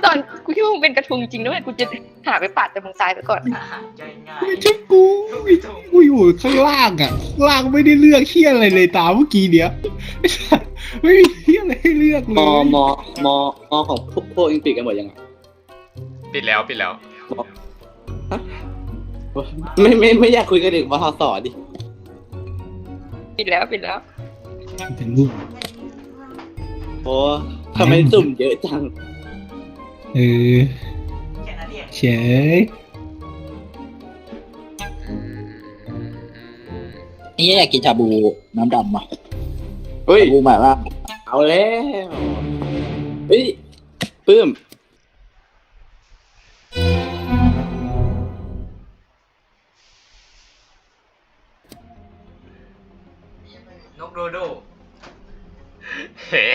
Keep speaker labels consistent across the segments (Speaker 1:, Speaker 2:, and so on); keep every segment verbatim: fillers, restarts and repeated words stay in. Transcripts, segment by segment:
Speaker 1: ตอนกูคิดว่ามึงเป็นกระทุงจริงด้วยกูจะหาไปปาดแต่มึงตายไปก่อน
Speaker 2: ไม่ใช่กูกูอยู่ข้างล่างอ่ะล่างไม่ได้เลือกเชี่ยอะไรเลยตามเมื่อกี้เนี้ยไม่มีเชี่ยอะไรให้เลือกเลย
Speaker 3: มอมอมอมอของพวกพวกอิงปิดกันหมดยังไง
Speaker 4: ปิดแล้วปิดแล้ว
Speaker 3: ไม่ไม่ไม่อยากคุยกันถึงมอสอดิ
Speaker 1: ปิดแล้วปิดแล้ว
Speaker 2: เป็นรูป
Speaker 3: โอ้ทำไมสุ่มเยอะจัง
Speaker 2: เออเฉย
Speaker 5: นี่อยากกินชาบูน้ำดำอ่ะ
Speaker 3: เฮ้ย
Speaker 5: ชาบูหมายว่า
Speaker 3: เอาแล้วเฮ้ยปื้ม
Speaker 4: นกโดโดเฮ้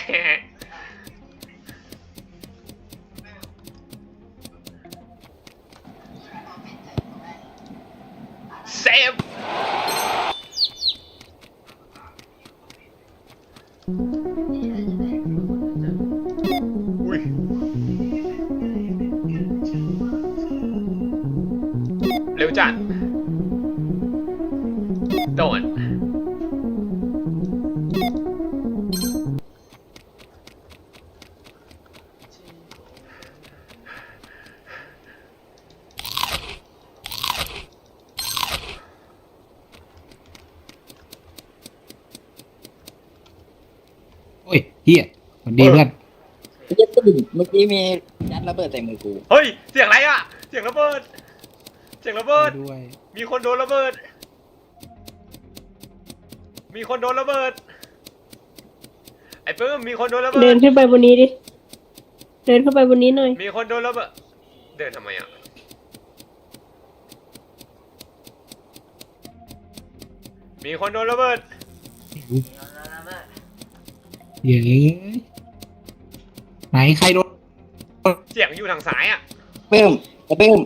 Speaker 4: เซฟอุ้ยเร็วจัดโดน
Speaker 2: โอ้ยเฮียสวัสดีเพื่อน
Speaker 5: เมื่อกี้มียัดระเบิดใส่มือกู
Speaker 4: เฮ้ยเสียงอะไรอ่ะเสียงระเบิดเสียงระเบิด
Speaker 2: ด้วย
Speaker 4: มีคนโดนระเบิดมีคนโดนระเบิดไอ้ปื้มมีคนโดนระเบิด
Speaker 6: เดินขึ้นไปบนนี้ดิเดินเข้าไปบนนี้หน่อย
Speaker 4: มีคนโดนระเบิดเดินทำไมอ่ะมีคนโดนระเบิด
Speaker 2: เย้ไหนใครโดน
Speaker 4: เสียงอยู่ทางซ้ายอ่ะ
Speaker 5: เพิ่มเพิ่ม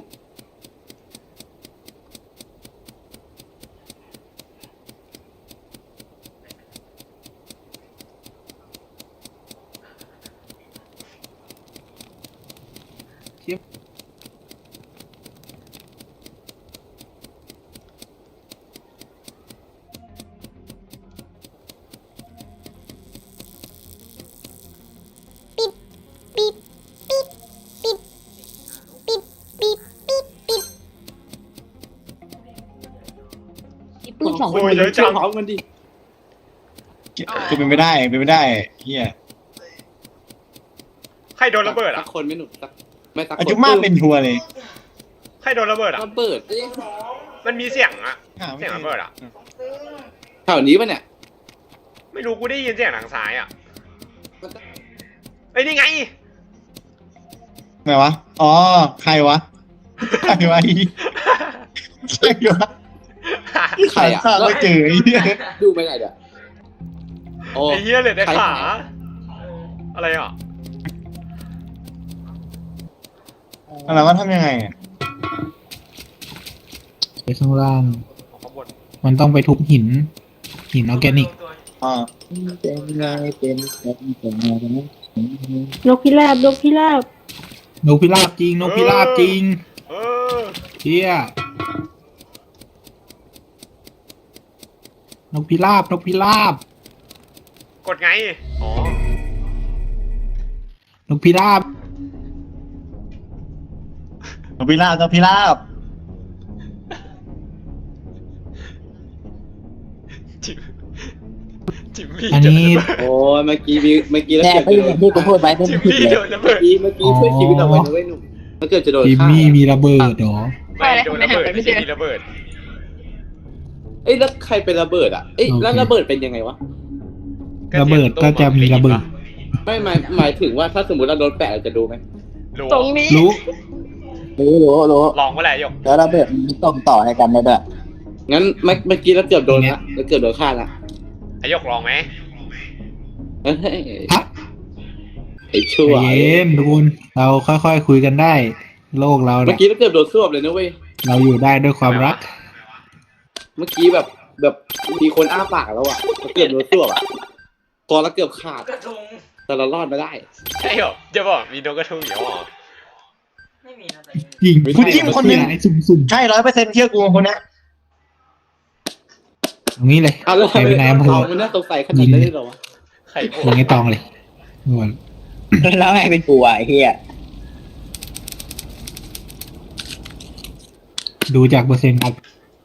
Speaker 3: ปื้มสองคนเยอะจังพร้อมกันดิ
Speaker 2: คือเป็นไม่ได้เป็นไม่ได้เฮีย
Speaker 4: ใครโดนระเบิด
Speaker 3: สั
Speaker 4: อ่ะ
Speaker 3: กคนไม่หนุกสักไม่สักคน
Speaker 2: อายุมากเป็นทัวร์เลย
Speaker 4: ใครโดนระเบิดอ่ะ
Speaker 3: ระเบิด
Speaker 4: มันมีเสียงอ่ะเสียงระเบิดอ่ะ
Speaker 3: แถวนี้ป่ะเนี่ย
Speaker 4: ไม่รู้กูได้ยินเสียงทางซ้ายอ่ะไอ้นี่ไง
Speaker 2: ไหนวะอ๋อใครวะใครวะใครวะ
Speaker 3: ใครอ่ะ
Speaker 2: ไม่เจอไอ้เหี้ย
Speaker 3: ดูไม่ได้เดี๋ยวโอ้
Speaker 4: ไอ้เหี้ยเหลือแต่ขาอะไรอ่ะ
Speaker 2: อะไรว่าทำยังไงไปข้างล่าง
Speaker 4: ข้างบน
Speaker 2: มันต้องไปทุบหิน หินออร์แกนิกอ่า
Speaker 5: เป็นไงเป็นแบบเป็นไงกันนะ
Speaker 6: นกพิราบนกพิราบ
Speaker 2: นกพิราบจริงนกพิราบจริง
Speaker 4: เออ
Speaker 2: เฮียนกพิราบนกพิราบ
Speaker 4: กดไงอ๋อน
Speaker 2: กพิราบนกพิราบนกพิราบ
Speaker 4: จิมจิมมี่
Speaker 2: อันนี้
Speaker 3: โอ้เมื่อกี้มีเมื่อกี้แล้ว
Speaker 5: แต่
Speaker 3: เกือบ
Speaker 5: ไม่
Speaker 3: จะโด
Speaker 5: อน ย่างที่กูพูดไปไม่
Speaker 4: จิม
Speaker 5: ผิด
Speaker 4: มี่
Speaker 5: เลย
Speaker 4: โดนระเบิ
Speaker 3: เมื่อ
Speaker 4: ด
Speaker 3: กี้เมื่อกี้ช่วยชีวิตเอาไว้นะเว้ยหนุ่มมันเกือบจะโดน
Speaker 2: จิม
Speaker 3: ฆ่า
Speaker 2: มี่มีระเบิดเหรอ
Speaker 4: ไม่โดนระเบิดไม่ใช่มีระเบิด
Speaker 3: เอ้ยแล้วใครเป็นระเบิดอ่ะเอ้ยแล้วระเบิดเป็นยังไงวะ
Speaker 2: ระเบิดก็จะมีระเบิด
Speaker 3: ไม่หมายหมายถึงว่าถ้าสมมติเราโดนแปะเราจะดูไหม
Speaker 4: รู้
Speaker 1: ตรงนี้
Speaker 2: รู้
Speaker 5: รู้รู้รู้
Speaker 4: ลองเมื่อไหร่หยก
Speaker 5: แล้วระเบิดมันส่งต่อให้กันได้ด้วย
Speaker 3: งั้นเมื่อเมื่อกี้เราเกือบโดนละเราเกือบโดนฆ่าละ
Speaker 4: ไอ้หยกลองไหม
Speaker 3: เฮ้ย
Speaker 2: ฮะ
Speaker 3: ไอ้ชั่ว
Speaker 2: ใจเย็นทุกคนเราค่อยๆคุยกันได้ โลกเรา
Speaker 3: เมื่
Speaker 2: เนี่
Speaker 3: อย กี้เราเกือบโดนสวบเลยนะเว้ย
Speaker 2: เราอยู่ได้ด้วยความรัก
Speaker 3: เมื่อกี้แบบแบบมีคนอ้าปากแล้วอ่ะเราเกือบโดนสวบอ่ะคอเราเกือบขาด
Speaker 4: กระทง
Speaker 3: แต่เรารอดมาได้
Speaker 4: ใช่เหรอจะบอกมีนกกระทุงอยู่หรอ
Speaker 7: ไม่มีนะแต่
Speaker 2: ยิง
Speaker 5: กูจิ้มคนหนึ่ง
Speaker 2: ไอ้สุ่ม
Speaker 5: ใช่ร้อยเปอร์เซ็นต์เชื่อกูคนเนี้ย
Speaker 2: ๆตรงนี้เลย
Speaker 3: เอาแล้ว
Speaker 2: ใครเป็นนายอำเภอ
Speaker 3: เรามันน่าสงสัยขนาดนั้นเลยเหรอวะ
Speaker 4: ไข่โอ้
Speaker 2: ยิงไอ้ตองเลยงวน
Speaker 5: แล้วไงเป็นกูอ่ะไอ้เหี้ย
Speaker 2: ดูจากเปอร์เซ็นต์ครับ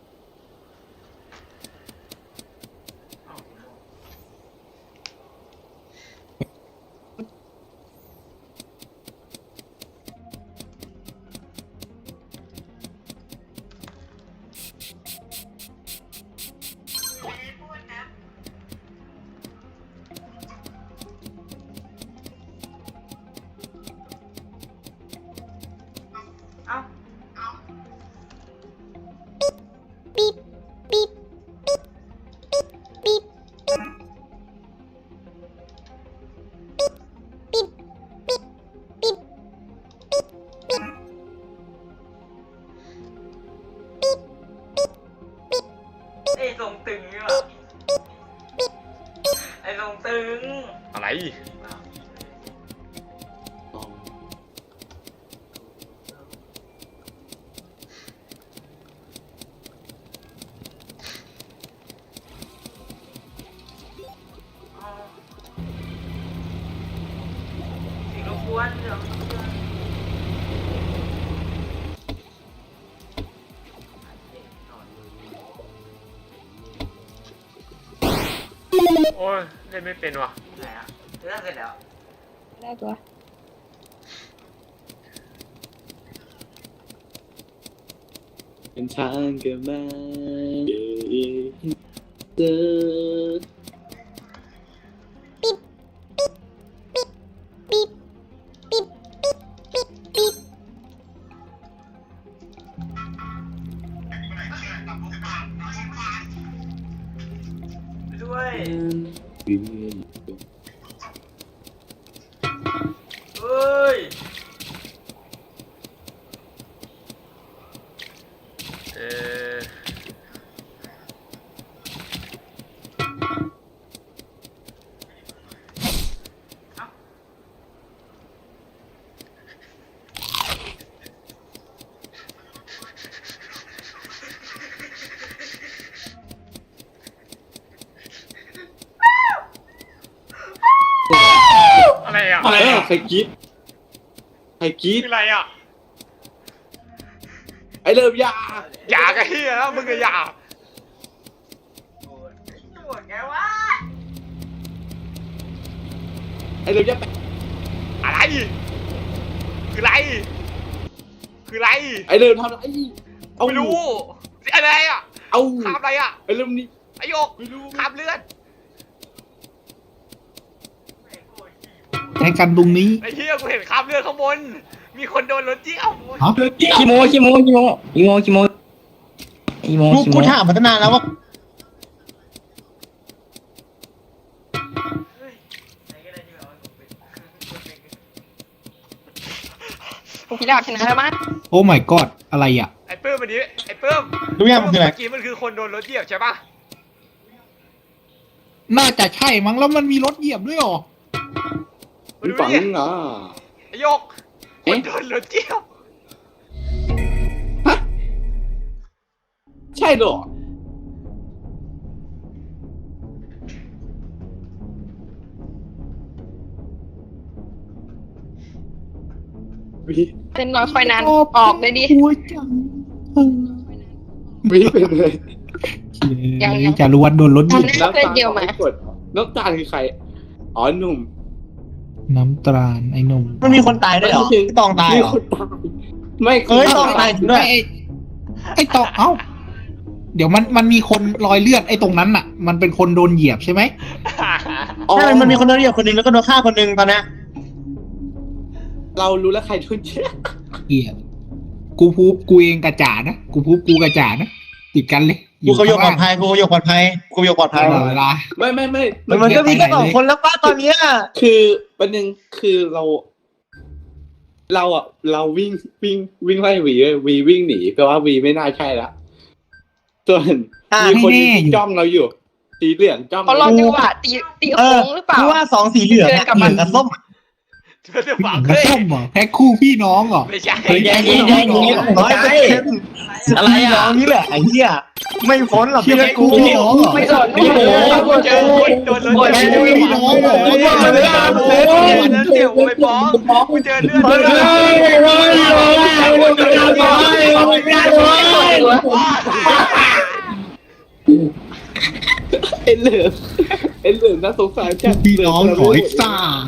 Speaker 7: เอ้า ไอ้ทรงตึงนี่หว่าไอ้ทรงตึง
Speaker 4: อะไร
Speaker 7: สิ่งรบกวนเดี๋ยว
Speaker 4: โอ้ยเล่นไม่เป็นว่ะ
Speaker 7: ไหนอ่ะเรื่องเสร็จแล้ว
Speaker 6: ได้ตัว
Speaker 3: เป็นทางเกิดมาเจอ
Speaker 7: ด้วย เฮ้ย
Speaker 4: เออ อะไรอ่ะ
Speaker 3: อะไรอ่ะใครกรีดใครกรีด
Speaker 4: คืออะไรอ่ะ
Speaker 3: ไอ้เริ่มยา
Speaker 4: อย่ากันเฮียแล้วมึงก็อย่า
Speaker 7: โอ้ยโหดไงวะ
Speaker 3: ไอ้เริ่มยา
Speaker 4: อะไร คืออะไร คืออะไร
Speaker 3: ไอ้เริ่มทำอะไรเอา
Speaker 4: ไม่รู้อะไรอ่ะ
Speaker 3: เอา
Speaker 4: ข้ามอะไรอ่ะ
Speaker 3: ไอ้เริ่มนี่
Speaker 4: ไอโยก
Speaker 3: ไม่รู้
Speaker 4: ข้ามเลือด
Speaker 2: ใช้กันตรงนี้
Speaker 4: ไอเฮียกูเห็นข้ามเลือดข้างบน มีคนโดนรถเจี้ยว
Speaker 2: ฮะ
Speaker 5: ขี้โมขี้โมขี้โมขี้โมขี้โมขี้โม
Speaker 8: กู
Speaker 5: ขี้โม
Speaker 8: กูถามมาตั้งนานแล้วว่า
Speaker 7: เฮ้ยไหนก็ได้ที่แบบว่าผมเป็นคนเป็น
Speaker 1: พวกพี่ดาวชนะแล้วมั้ง
Speaker 2: โอ้ my god อะไรอ่ะ
Speaker 4: ไอเปิ้มวันนี้ไอเปิ้ม
Speaker 8: รู้ยังมันคืออะไร
Speaker 4: เมื่อกี้มันคือคนโดนรถเหยียบใช่ปะ
Speaker 2: น่าจะใช่มั้งแล้วมันมีรถเหยียบด้วยเหรอ
Speaker 4: มา
Speaker 3: มี
Speaker 4: ดู
Speaker 3: ฝัง
Speaker 4: ดิ
Speaker 3: เหรอ
Speaker 4: ไอโยกคนโดนรถเจี้ยว
Speaker 3: ใช่เหรอ วี
Speaker 1: เต้นน้อยคอยนานออกเลยดิ
Speaker 2: หัวจัง
Speaker 3: วีเป็นเลย
Speaker 1: ยังยัง
Speaker 2: จารุวัฒน์โดนรถเหยียบ
Speaker 1: ทำได้ เพื่อนเดียวมา
Speaker 3: กดน้ำตาลคือใคร อ๋อหนุ่ม
Speaker 2: น้ำตราลไอ้หนุ่ม
Speaker 8: มันมีคนตายด้วยเหรอพี่ตองตาย
Speaker 3: มี
Speaker 8: เหรอ
Speaker 3: คนตายไม่
Speaker 8: เอ้ยตองตายจริงด้วย
Speaker 2: ไอ้ไอ้ตองเอ้า เดี๋ยวมันมันมีคนรอยเลือดไอ้ตรงนั้นน่ะ มันเป็นคนโดนเหยียบใช่ไหม
Speaker 3: อ๋อ
Speaker 8: ใช่มันมีคนโดนเหยียบคนหนึ่งแล้วก็โดนฆ่าคนหนึ่งตอนเนี้ย
Speaker 3: เรารู้แล้วใครโดนเชื่อ
Speaker 2: เหยียบกูพูบกูเองกระจ่านะกูพูบกูกระจ่านะติดกันเลย
Speaker 8: กูเขาโยกปลอดภัยกูโยกปลอดภัยกูโยกปลอด
Speaker 2: ต
Speaker 8: ภัย
Speaker 2: ลอดเวลา
Speaker 3: ไม่ไม่ไม่
Speaker 8: มันมันก็มีแค่สองคนแล้วป้าตอนเนี้ย
Speaker 3: คือประเด็นคือเรา เราอ่ะ เราวิ่งวิ่งวิ่งไล่วีเว้ยวีวิ่งหนีแปลว่าวีไม่น่าใช่ละส่วน
Speaker 8: อ่ะ
Speaker 3: มีคน
Speaker 2: ไม่แน่
Speaker 3: ที่
Speaker 2: อยู่
Speaker 3: จ้องเราอยู่ จสีเหลืองจ้อง
Speaker 1: เขารอจังหวะตีตี
Speaker 8: เอ
Speaker 1: โค้
Speaker 8: อง
Speaker 1: หรือเปล่า
Speaker 8: กูว่าสองสีเหลืองอะเหลืองกับส้มอะ
Speaker 4: เรื่องฝาก
Speaker 2: มัน
Speaker 4: เฮ้ย
Speaker 2: ส้มเหรอแพ็คคู่พี่น้องเหรอ
Speaker 4: ไม่ใช่
Speaker 2: เฮ้ย
Speaker 8: แย่ๆๆๆร้อยเปอร์เซ็นต์อะไรอ่ะนี่แหละไอ้เหี้ยไม่พ้นหรอก
Speaker 2: เชื่อ
Speaker 8: เชื่อ
Speaker 2: กู
Speaker 8: กู
Speaker 2: พี่น้องเหรอ
Speaker 1: ไม่สน
Speaker 4: โอ้โหเจอคนโดนรถ
Speaker 2: แพ็ค
Speaker 4: เจ
Speaker 2: คู่
Speaker 4: อ
Speaker 2: พี่น้องเหรอ
Speaker 4: โอ้โหเดี๋ยวกูไปฟ้องกูเจอเลือดเลือด
Speaker 3: ไอ้เหลืองไอ้เหลืองน่าสงสารจัง
Speaker 2: พี่น้องขอไอ้ซ่า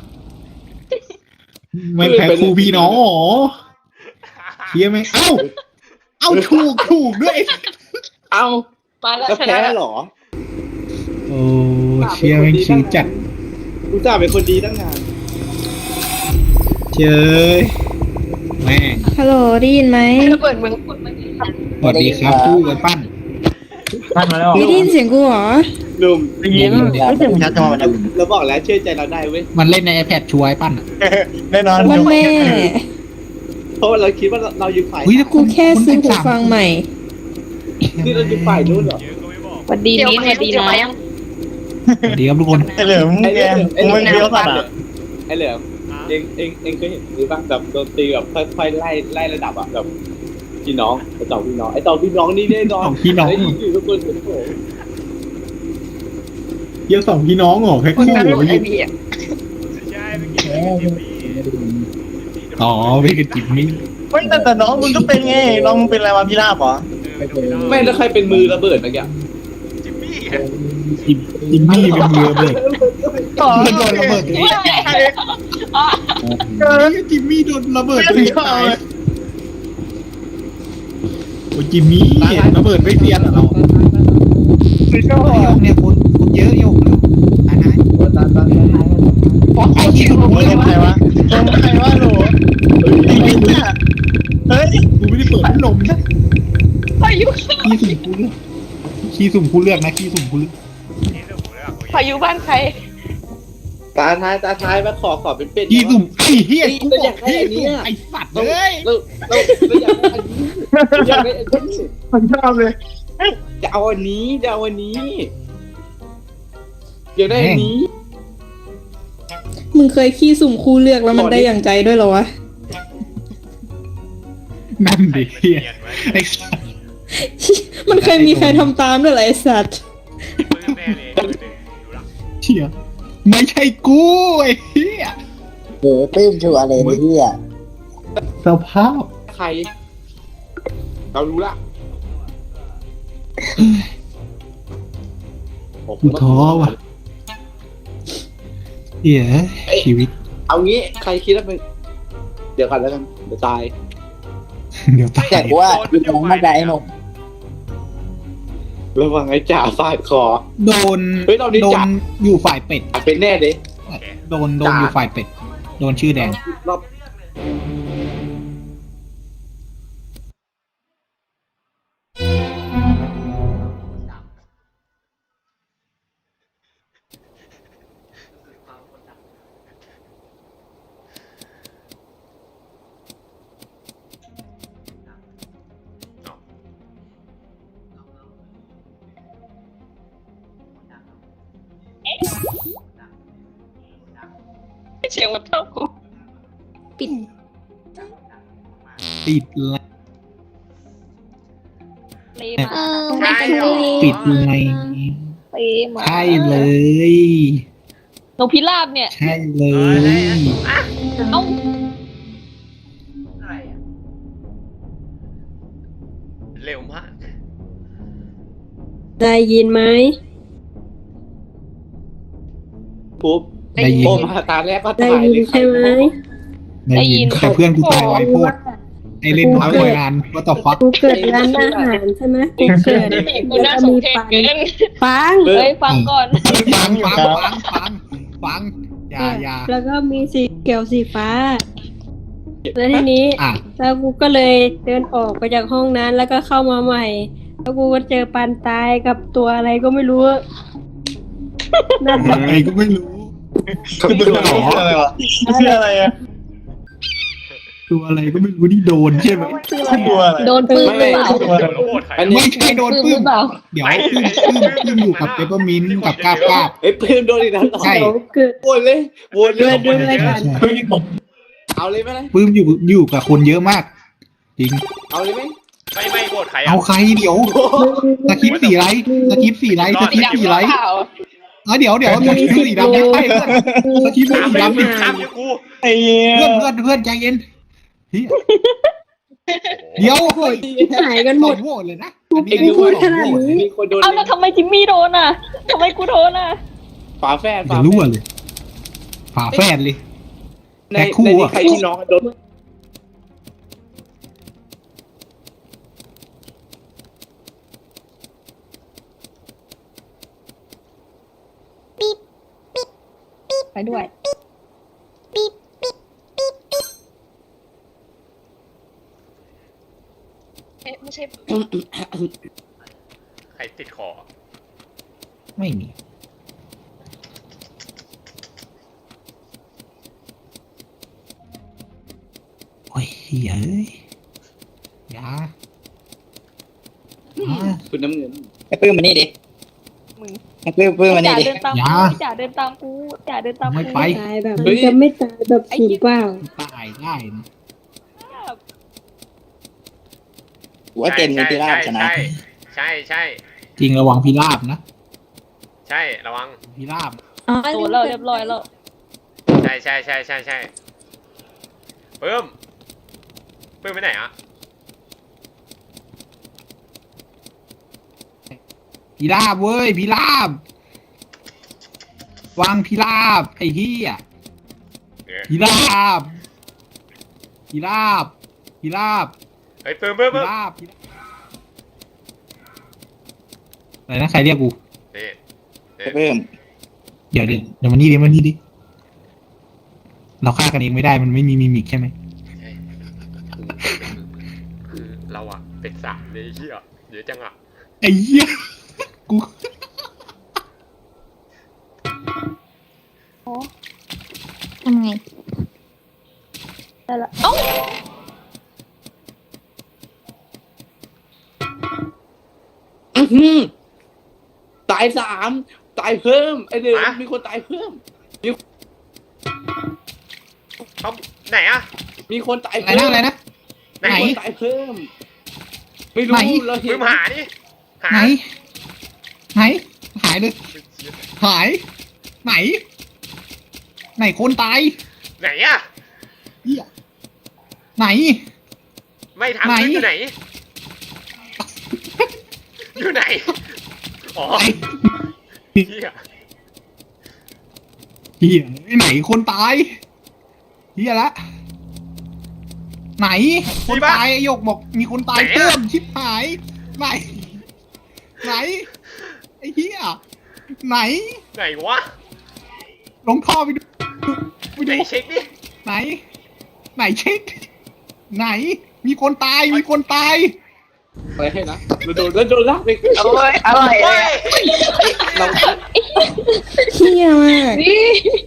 Speaker 2: มันแพ็คคู่พี่น้องเหรอเฮียไหมเอ้าเอ้าถูกถูกด้วย
Speaker 3: เอ้า
Speaker 1: มาแล้ว
Speaker 3: แล้ว
Speaker 1: ช
Speaker 3: แพ้
Speaker 1: นะ
Speaker 3: เหรอ
Speaker 2: โอ้เชียร์แม่งชิวจัด
Speaker 3: กูจ่าเป็นคนดีตั้งนาน
Speaker 2: เจยแม่ง
Speaker 6: ฮัลโหลได้ยินไหม
Speaker 1: ระเบิดเมืองพูดมัน
Speaker 2: สวัสดีครับคู่กันปั้น
Speaker 8: ท่านมาแล้ว
Speaker 6: ไม่ได้ยินเสียงกูเหรอ
Speaker 3: หนุ่ม
Speaker 8: ได้ยินไม่ถึงชัดจอมัน
Speaker 3: เราบอกแล้วเชื่อใจเราได้เว้ย
Speaker 2: มันเล่นใน iPad ช่วยปั้นอ่ะ
Speaker 8: แน่นอน
Speaker 6: วันแม่
Speaker 3: เพราะว่าเราคิดว่าเราเราอยู่ฝ่าย
Speaker 2: เฮ้ยแล้ว
Speaker 6: กูแค่ซื้อหูฟังใหม่
Speaker 3: นี่เราอยู่ฝ่ายนู้นเหรอ
Speaker 4: เยอะก็ไม่บอก
Speaker 6: สวัสดี
Speaker 1: เดี๋ยว
Speaker 6: นี้
Speaker 1: มา
Speaker 6: สวัสดี
Speaker 1: เดี๋ยว
Speaker 6: น้อ
Speaker 1: มาย ยัง
Speaker 2: สวัสดีครับทุกคน
Speaker 8: ไอ้เหลืองแกมึงเป็นเดียวสัตว์อ่ะ
Speaker 3: ไอ้เหลืองเองเองเองเคยเห็นหรือป่ะแบบโดนตีแบบค่อยๆไล่ไล่ระดับอ่ะแบบพี่น้องไอ้ต่อพี่น้องไอ้ต่อพี่น้องนี่แน่นอน
Speaker 2: สองพี่น้อง
Speaker 3: ไอ้ยิงอยู่ทุกคนโอ้โห
Speaker 2: เยี่ยสองพี่น้องเหรอแพ็ค
Speaker 1: คน
Speaker 2: คู่
Speaker 1: นั้น
Speaker 2: เหร
Speaker 1: ลู
Speaker 2: อก
Speaker 1: ไอบีอ่ะ
Speaker 4: ใช่เมื่อกี้จิมมี่
Speaker 2: อ๋อไม่คือจิมมี่
Speaker 8: เฮ้ยแต่แต่น้องมึงก็เป็นไงน้องมึงเป็นอะไรวะพี่ลาบเหรอ
Speaker 3: ไม่แล้วใครเป็นมือระเบิดเมื่อกี้
Speaker 4: จิมมี่
Speaker 2: จิมจิมมี่เป็นมือระเบิด
Speaker 8: ต่อ
Speaker 2: มันโดนระเบิดตัวเองเออจิมมี่โดนระเบิดตัวเองตายโอ้ยจิมมี่ระเบิดไม่เซียนเหรอเราไอ้โยกเนี่ยคนคนเยอะโยกตายนะไอ้ที่ถูก
Speaker 8: มึง
Speaker 2: เล
Speaker 8: เป็
Speaker 2: ย
Speaker 8: นใครวะมึงเป็นใครวะหนูไอ้เหี้ยเฮ้ย
Speaker 2: กูไม่ได้เปิดพัดลมนะ
Speaker 1: พายุ
Speaker 2: ขี้สุ่มกูเลือกขี้สุ่มกูเลือกนะขี้สุ่มกูเลือก
Speaker 4: นี่เรื่องของเรื่อง
Speaker 1: พายุบ้านใคร
Speaker 3: ตาท้ายตาท้ายมาขอขอเป็นเป็ด
Speaker 2: ขี้สุ่มไอ้เหี้ยกู
Speaker 3: เรา
Speaker 2: บ
Speaker 3: อยา
Speaker 2: อก
Speaker 3: กได้
Speaker 2: ขี้
Speaker 3: อันนี้
Speaker 2: สุ่ม
Speaker 3: อะ
Speaker 2: ไอ้สัตว์
Speaker 3: เรา
Speaker 2: เลย
Speaker 3: เราเราเราอยากได้อันนี้อยากได้อันนี้
Speaker 8: ผมชอบเลย
Speaker 3: จะเอาอันนี้จะเอาอันนี้อยากได้อันนี้
Speaker 6: มึงเคยขี้สุ่มคู่เลือกแล้วมันได้อย่างใจด้วยเหรอวะ
Speaker 2: นั่นดิเหี้ยไอ้สัตว์
Speaker 6: มันเคยมีใครทำตามด้วยเหรอไอสัตว์
Speaker 4: ปื้มแน่เลยดูละ
Speaker 2: เชี่ยไม่ใช่กูไอ้เหี้ย
Speaker 5: เออปลื้มชัวร์เลยไอ้เหี้ย
Speaker 2: สภาพ
Speaker 3: ใคร เรารู้ละ
Speaker 2: กูท้อว่ะเหี้ยชีวิต
Speaker 3: เอางี้ใครคิดว่าเป็นเดี๋ยวกันแล้วกันเดี๋ยวตาย
Speaker 2: เดี๋ยวตาย
Speaker 5: แต่กูว่าอยู่ตรงมาได้ไอ้หนุ่ม
Speaker 3: ระวังไอ้จ่าฟาดคอ
Speaker 2: โดน
Speaker 3: เฮ้ยเรานี่
Speaker 2: โด
Speaker 3: จั
Speaker 2: น
Speaker 3: บ
Speaker 2: อยู่ฝ่ายเป็ด
Speaker 3: เป็นแน่เลย
Speaker 2: โดนโดนอยู่ฝ่ายเป็ด โดนชื่อแดง
Speaker 3: รอบ
Speaker 1: เสียงมันเท่ากู
Speaker 6: ปิด
Speaker 2: ติดละ
Speaker 1: เลยมา
Speaker 4: ใช่เหรอ
Speaker 2: ติดไง
Speaker 1: เลยมา
Speaker 2: ใช่เลย
Speaker 1: นกพิราบเนี่ย
Speaker 2: ใช่เลย
Speaker 1: เอ้า
Speaker 7: อะไรอ่ะ
Speaker 4: เร็วมาก
Speaker 6: ได้ยินไหม
Speaker 3: ปุ๊บ
Speaker 2: ได้ยิน
Speaker 3: โอมาตาแรกก็
Speaker 6: ได้
Speaker 3: ตาย
Speaker 6: ยิน
Speaker 3: เลย
Speaker 6: ใช่ไหม
Speaker 2: ได้ยินแต่เพื่อนกูตายไวโพดไอเล่นน้อยกว่างานว่าต่อฟัก
Speaker 6: กูเกิดร้านอาหารใช่ไหมกูเกิด
Speaker 1: กูน่าสงเพชเกิน
Speaker 6: ปัง
Speaker 1: เฮ้ยฟังก่อน
Speaker 2: ฟังฟังฟังฟังฟังอย่าอย่า
Speaker 6: แล้วก็มีสีเขียวสีฟ้า แล้วทีนี้
Speaker 2: อ่ะ
Speaker 6: แล้วกูก็เลยเดินออกไปจากห้องนั้นแล้วก็เข้ามาใหม่ แล้วกูก็เจอปันตายกับตัวอะไรก็ไม่รู้ นั่นแหละ
Speaker 2: อะไรก็ไม่รู้
Speaker 8: คือตัวหนออะไรวะชื่ออะไรอ่ะ
Speaker 2: ตัวอะไรก็ไม่รู้ที่โดนใช่ไหม
Speaker 6: คืออะไร
Speaker 8: ตัว
Speaker 6: อะ
Speaker 8: อะไร
Speaker 6: โดนปืนหรือเปล่า
Speaker 8: ตัวอะไร
Speaker 4: โหวตใคร
Speaker 3: อันนี้
Speaker 2: ไม่ใช่โดน
Speaker 6: ปืน
Speaker 2: ปื้
Speaker 6: หรื
Speaker 2: ม
Speaker 6: อเปล่า
Speaker 2: เดี๋ยวปื้มปื้มปื้มอยู่กับเปเปอร์มินต์กับกาบกาบ
Speaker 3: เอ้ยเพิ่มโดนอีกแล้วเหรอ
Speaker 2: ใช่
Speaker 6: เขาเกิด
Speaker 3: โหวตเลยโหวตเล
Speaker 6: ด้วย ยด้วยอะไรกัน
Speaker 8: เฮ้ยผม
Speaker 3: เอาเลยไหมล่ะ
Speaker 2: ปื้มอยู่อยู่กับคนเยอะมาก จริง
Speaker 3: เอาเลยไหม
Speaker 4: ไม่ไม่โหวตใครอ่ะ
Speaker 2: เอาใครเดี๋ยวสคริปต์สี่ไลท์สคริปต์สี่ไลท์สคริปต์สี่ไลท์
Speaker 1: เปล่า
Speaker 2: เออเดี๋ยวเดี๋ยวสคริปต์สีดำไม่ใช่เพื่อนสคริปต์
Speaker 4: ข้าม
Speaker 2: สี
Speaker 4: ไป
Speaker 2: ดำดิ
Speaker 4: ข้ามเดี๋ยวกู
Speaker 8: ไอ้เหี้ย
Speaker 2: เพื่อนเพื่อนเพื่อนใจเย็นเฮ้ยเดี๋ยวเฮ้ย
Speaker 6: หายกันหมด
Speaker 2: สองโหวตเลยนะ
Speaker 6: กู
Speaker 2: อัน
Speaker 6: ไม่
Speaker 2: นี้
Speaker 6: พูด
Speaker 2: สอง
Speaker 6: ขนาด
Speaker 2: โหวต
Speaker 6: นี้
Speaker 3: มีคนโดน
Speaker 1: เอาแล้วทำไมจิมมี่โดนอ่ะทำไมกูโดนอ่ะ
Speaker 3: ฝาแฝด
Speaker 2: เดี๋
Speaker 3: ฝา
Speaker 2: ยว
Speaker 3: แฝ
Speaker 2: รู้
Speaker 3: ด
Speaker 2: เลยฝาแฝดเลย
Speaker 3: ใน
Speaker 2: แพ็คคู่
Speaker 3: ในนี้
Speaker 2: อะ
Speaker 3: ใครที่น้องโดน
Speaker 1: ไปด้วยเอ๊ะไม่ใช่
Speaker 4: ใครติดคอ
Speaker 2: ไม่มีโอ้ยเฮ้ยเอ้ยอยาอยา
Speaker 3: คุณน้ำเงิน
Speaker 5: ไอ้ปื้มมานี่ดิ
Speaker 1: มึง
Speaker 5: ไอ้ปื้มปื้มมานี่
Speaker 1: จ่า
Speaker 5: ดิ
Speaker 1: เดินตาม
Speaker 2: อย่า
Speaker 1: กูจ่าเดินตามกูจ่าเดินตาม
Speaker 2: ไม่
Speaker 1: กู
Speaker 2: ไป
Speaker 6: ตายแบบมันจะไม่ตายแบบสูญเปล่า
Speaker 2: ตายได้นะ
Speaker 5: กูว่าเกมนี้พิราบชนะ
Speaker 4: ใช่ใช่ใช่
Speaker 2: จริงระวังพิราบนะ
Speaker 4: ใช่ระวัง
Speaker 2: พิราบ
Speaker 6: อ๋อ
Speaker 1: โดนเราเรียบร้อยแล้ว
Speaker 4: ใช่ใช่ใช่ใช่ใช่เพิ่มเพิ่มไปไหนอ่ะ
Speaker 2: พิราบเว้ยพิราบวางพิราบไอ้เหี้ย
Speaker 4: เดี๋ยว
Speaker 2: พิราบพิราบพิราบ
Speaker 4: เฮ้ยเพิ่มเพิ่ม
Speaker 2: พิ
Speaker 4: เพิ่ม
Speaker 2: ราบพิราบอะไรนะใครเรียกกู
Speaker 4: นี่
Speaker 5: ไอ้ปื้ม
Speaker 2: เดี๋ยวเดี๋ยวเดี๋ยวมานี่ดิมานี่ดิเราฆ่ากันเองไม่ได้มันไม่มีมิมิกใช่ไหม
Speaker 4: ใช่คือเราอ่ะเป็นสามเลยเฮียเดี๋ยวจังอ่ะ
Speaker 2: ไอ้เหี้ยกู
Speaker 9: ทำไง
Speaker 1: ได้ละเอ้า
Speaker 3: อื้อหือตายสามตายเพิ่มไอเดือมีคนตายเพิ่ม
Speaker 4: เขาไหนอ่ะ
Speaker 3: มีคนตาย
Speaker 2: อะไร
Speaker 3: เพิ่
Speaker 2: นะ
Speaker 3: ม
Speaker 2: อะไรนะ
Speaker 4: ไหน
Speaker 3: มีคนตายเพิ่ม ไม่รู้
Speaker 2: ไหน
Speaker 3: เราเห็
Speaker 4: เพิ่
Speaker 3: น
Speaker 4: มหาดิหา
Speaker 2: ไหนไหนหายเลยหาย ไหน ไหนคนตาย
Speaker 4: ไหนอ่ะ
Speaker 2: เหี้ยไหน
Speaker 4: ไม่ทำ
Speaker 2: ไหน
Speaker 4: อยู่ไหน อยู่ไหนอ๋อ
Speaker 2: ไหน
Speaker 4: เฮีย
Speaker 2: เฮียไหนคนตายเฮียละไหน คนตายไอ้หยกบอกมีคนตายเพิ่มชิบหาย ไหน ไหนไอ้เฮียไหน
Speaker 4: ไหนวะ
Speaker 2: ลงท่อไปดูไป
Speaker 4: ไหน
Speaker 2: ดู
Speaker 4: เช็คดิ
Speaker 2: ไหน ไหนเช็คไหน มีคนตายมีคนตาย
Speaker 3: ไปให้นะเราโดนแล้วโดนลากไป
Speaker 1: โอ้ยอร่อยเลย
Speaker 4: เฮ้ย
Speaker 3: เรา
Speaker 6: เที่ยมาก
Speaker 1: นี่